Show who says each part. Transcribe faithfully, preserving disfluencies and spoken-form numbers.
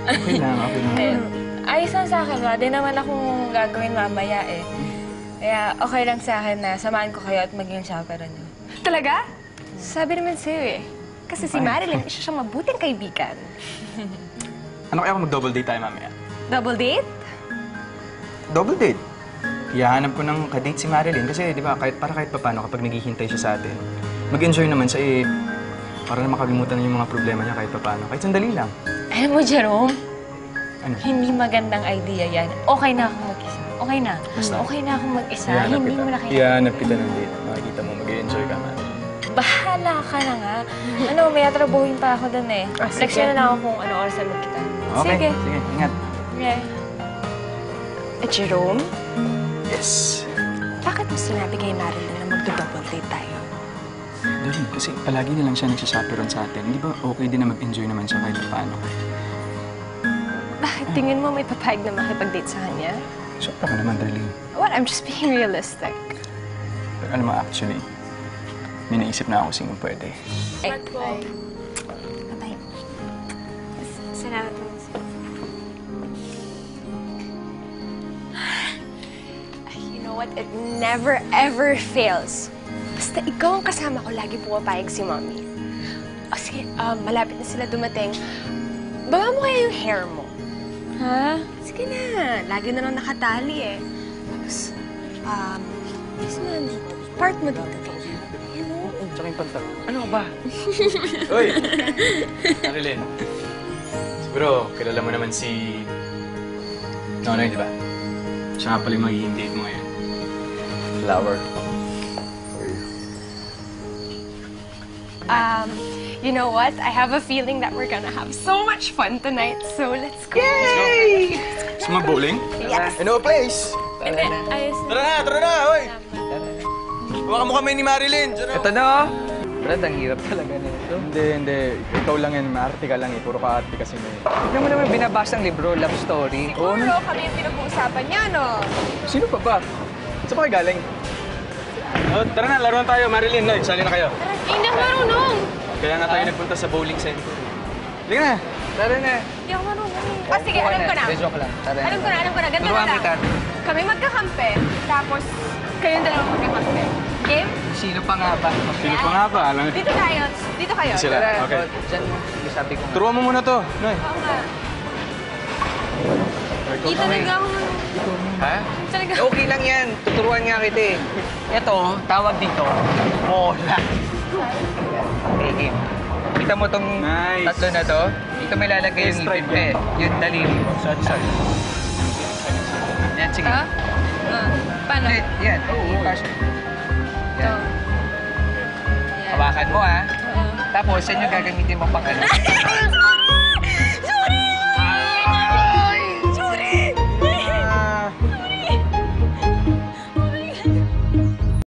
Speaker 1: Okay lang, okay lang.
Speaker 2: Eh, ayos lang sa akin, wala din naman akong gagawin mamaya eh. Kaya okay lang sa akin na samahan ko kayo at maging chaperon niyo.
Speaker 3: Talaga?
Speaker 2: Sabi naman sa'yo eh.
Speaker 3: Kasi si Marilyn, isa siyang mabuting kaibigan.
Speaker 1: Ano kaya kung mag-double date tayo mamaya?
Speaker 3: Double date?
Speaker 1: Double date? Iyahanap ko ng kadate si Marilyn kasi, di ba, kahit, para kahit papano kapag naghihintay siya sa atin, mag-enjoy naman siya eh, para na makalimutan na yung mga problema niya kahit papano. Kahit sandali lang.
Speaker 2: Alam mo, Jerome,
Speaker 1: Ano?
Speaker 2: hindi magandang idea yan. Okay na ako mag-isa. Okay na.
Speaker 1: Basta.
Speaker 2: Okay na ako mag-isa.
Speaker 1: Iyahanap
Speaker 2: Hindi
Speaker 1: kita.
Speaker 2: mo na kaya.
Speaker 1: Iyahanap kita ng date. Makikita mo, mag-enjoy ka, Marilyn.
Speaker 2: Bahala ka na nga. Ano, may atrabuhin pa ako dun eh.
Speaker 3: Ah, sige.
Speaker 2: Leksyon na lang ako kung ano oras na magkita.
Speaker 1: Okay,
Speaker 2: Sige.
Speaker 1: sige, ingat.
Speaker 2: Okay.
Speaker 3: Eh, Jerome,
Speaker 1: Yes.
Speaker 3: bakit mo sinabi kay Marilyn na magdo-double date tayo?
Speaker 1: Dali, kasi palagi na lang siya nagsasaperon sa atin. Hindi ba okay din na mag-enjoy naman siya kahit paano?
Speaker 3: Bakit tingin mo may papayag na makipag-date sa kanya?
Speaker 1: Sobra ka naman, Darlene.
Speaker 3: What? I'm just being realistic.
Speaker 1: Pero alam mo, actually, may naisip na ako sino pwede.
Speaker 3: Ay, ay. Bye-bye. Salamat po. You know what? It never, ever fails. Basta ikaw ang kasama ko, lagi pumapayag si Mommy. O sige, um, malapit na sila dumating. Baba mo kaya yung hair mo.
Speaker 2: Ha?
Speaker 3: Sige na, lagi na lang nakatali eh. Tapos, um, is na, part mo dito. Ayan o.
Speaker 1: Tsaka yung pantal. Ano ba? Uy! Marilyn. Siguro, kilala mo naman si... Nonoy, di ba? Siya nga pala yung magiging date mo ngayon. Flower.
Speaker 3: Um, you know what? I have a feeling that we're gonna have so much fun tonight, so let's go.
Speaker 1: Yay! Gusto mo bowling?
Speaker 3: Yes!
Speaker 1: Ano place?
Speaker 2: Hindi, ayos na.
Speaker 4: Tara na, tara na, oy! Huwag mo kami ni Marilyn. Diyan na.
Speaker 5: Ito na, oh. Brad, ang hirap talaga nito.
Speaker 1: Hindi, hindi. Ikaw lang yan. Maarte ka lang eh. Puro ka arte kasi may...
Speaker 5: Tignan mo naman binabasang libro, love story.
Speaker 1: Oo,
Speaker 3: Siguro kami yung pinag-uusapan niya, no?
Speaker 1: Sino pa ba? Saan pa kayo galing?
Speaker 4: Oh, tara na, laruan tayo, Marilyn. Noy, sali na kayo.
Speaker 3: Hindi ako marunong.
Speaker 4: Kaya nga tayo nagpunta sa bowling center.
Speaker 1: Halika na.
Speaker 5: Tara na.
Speaker 3: Hindi ako marunong. Ah, sige, alam ko na.
Speaker 5: Hindi, joke lang. Tara na.
Speaker 3: Alam ko na, alam ko na. Ganito na
Speaker 5: Turuan
Speaker 3: lang.
Speaker 5: kita.
Speaker 3: Kami magkakampi, tapos kayong dalawa magkakampi. Game?
Speaker 5: Sino pa nga ba?
Speaker 1: Sino pa nga ba? Alam
Speaker 3: Dito tayo. Dito kayo.
Speaker 1: Sila.
Speaker 5: Tara,
Speaker 1: Okay.
Speaker 5: oh, dyan mo. Sige, sabi ko nga.
Speaker 1: Turuan mo muna to. Noy.
Speaker 3: Oo nga. Di talaga ako
Speaker 5: Ha?
Speaker 3: Talaga.
Speaker 5: Okay lang yan. Tuturuan nga kita eh. Ito, tawag dito, mola. Okay, game. Kita mo tong
Speaker 1: Nice.
Speaker 5: tatlo na to? Dito may lalagay yung
Speaker 1: Strike
Speaker 5: ipin eh. Yung daliri.
Speaker 1: Sorry, sorry.
Speaker 5: Yan, sige.
Speaker 2: Ha? Ah, paano?
Speaker 5: Hindi, yan. Oo, pass.
Speaker 2: Ito.
Speaker 5: Yan.
Speaker 2: Yan.
Speaker 5: Hawakan mo, ha?
Speaker 2: Oo.
Speaker 5: Tapos, yan yung gagamitin mo pang ano.